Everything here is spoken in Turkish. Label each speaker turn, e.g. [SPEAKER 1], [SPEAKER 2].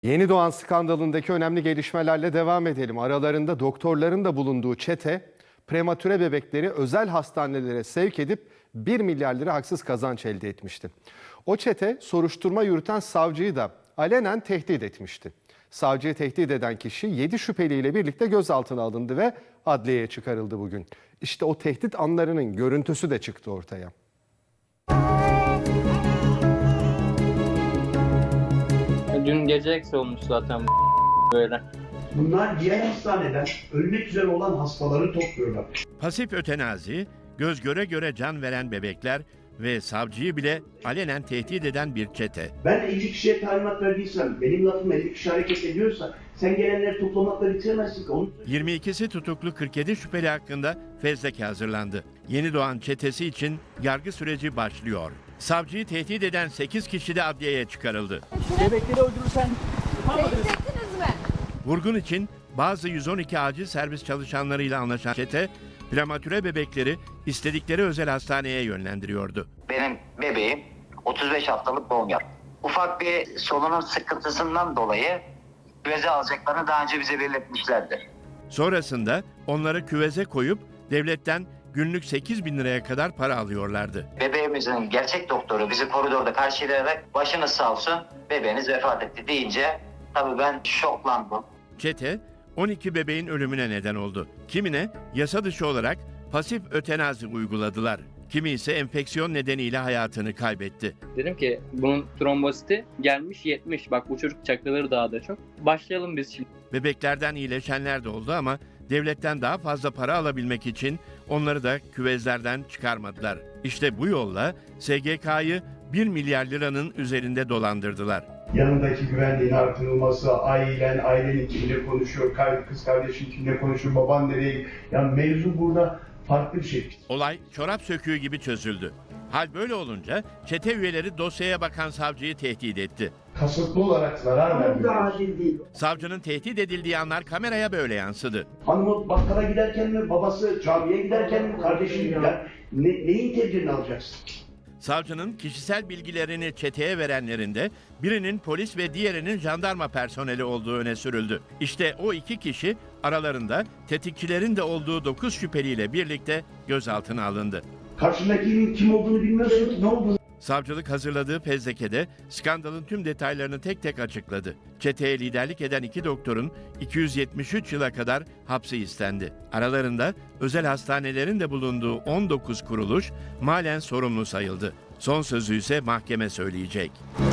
[SPEAKER 1] Yeni doğan skandalındaki önemli gelişmelerle devam edelim. Aralarında doktorların da bulunduğu çete, prematüre bebekleri özel hastanelere sevk edip 1 milyar lira haksız kazanç elde etmişti. O çete soruşturma yürüten savcıyı da alenen tehdit etmişti. Savcıyı tehdit eden kişi 7 şüpheliyle birlikte gözaltına alındı ve adliyeye çıkarıldı bugün. İşte o tehdit anlarının görüntüsü de çıktı ortaya.
[SPEAKER 2] Dün gece eksi olmuş zaten böyle.
[SPEAKER 3] Bunlar diğer hastaneden ölmek üzere olan hastaları topluyorlar.
[SPEAKER 4] Pasif ötenazi, göz göre göre can veren bebekler ve savcıyı bile alenen tehdit eden bir çete.
[SPEAKER 3] Ben 50 kişiye talimat verdiysem, benim lafım 50 kişi hareket ediyorsa sen gelenleri toplamakla bitiremezsin ki.
[SPEAKER 4] 22'si tutuklu 47 şüpheli hakkında fezleke hazırlandı. Yeni doğan çetesi için yargı süreci başlıyor. Savcıyı tehdit eden 8 kişi de adliyeye çıkarıldı.
[SPEAKER 5] Bebekleri öldürürsen
[SPEAKER 6] Seyrettiniz mi?
[SPEAKER 4] Vurgun için bazı 112 acil servis çalışanlarıyla anlaşan çete, prematüre bebekleri istedikleri özel hastaneye yönlendiriyordu.
[SPEAKER 7] Benim bebeğim 35 haftalık doğum yaptı. Ufak bir solunum sıkıntısından dolayı küveze alacaklarını daha önce bize belirtmişlerdi.
[SPEAKER 4] Sonrasında onları küveze koyup devletten günlük 8 bin liraya kadar para alıyorlardı.
[SPEAKER 7] Bebeğimizin gerçek doktoru bizi koridorda karşılayarak başınız sağ olsun bebeğiniz vefat etti deyince tabii ben şoklandım.
[SPEAKER 4] Çete 12 bebeğin ölümüne neden oldu. Kimine yasa dışı olarak pasif ötenazi uyguladılar. Kimi ise enfeksiyon nedeniyle hayatını kaybetti.
[SPEAKER 2] Dedim ki bunun trombositi gelmiş 70. Bak bu çocuk çakraları daha da çok. Başlayalım biz şimdi.
[SPEAKER 4] Bebeklerden iyileşenler de oldu ama devletten daha fazla para alabilmek için onları da küvezlerden çıkarmadılar. İşte bu yolla SGK'yı 1 milyar liranın üzerinde dolandırdılar.
[SPEAKER 3] Yanındaki güvenliğin artırılması, ailenin kimle konuşuyor, kız kardeşin kimle konuşuyor, baban nereye... Yani mevzu burada farklı bir şey.
[SPEAKER 4] Olay çorap söküğü gibi çözüldü. Hal böyle olunca çete üyeleri dosyaya bakan savcıyı tehdit etti.
[SPEAKER 3] Kasıtlı olarak zarar vermiyor.
[SPEAKER 4] Savcının tehdit edildiği anlar kameraya böyle yansıdı.
[SPEAKER 3] Hanımı bakkala giderken mi, babası camiye giderken mi, kardeşi gider. Neyin tedbirini alacaksın?
[SPEAKER 4] Savcının kişisel bilgilerini çeteye verenlerinde birinin polis ve diğerinin jandarma personeli olduğu öne sürüldü. İşte o iki kişi aralarında tetikçilerin de olduğu 9 şüpheliyle birlikte gözaltına alındı.
[SPEAKER 3] Karşındakinin kim olduğunu bilmiyorsun ki, ne olduğunu.
[SPEAKER 4] Savcılık hazırladığı fezlekede skandalın tüm detaylarını tek tek açıkladı. Çeteye liderlik eden 2 doktorun 273 yıla kadar hapsi istendi. Aralarında özel hastanelerin de bulunduğu 19 kuruluş malen sorumlu sayıldı. Son sözü ise mahkeme söyleyecek.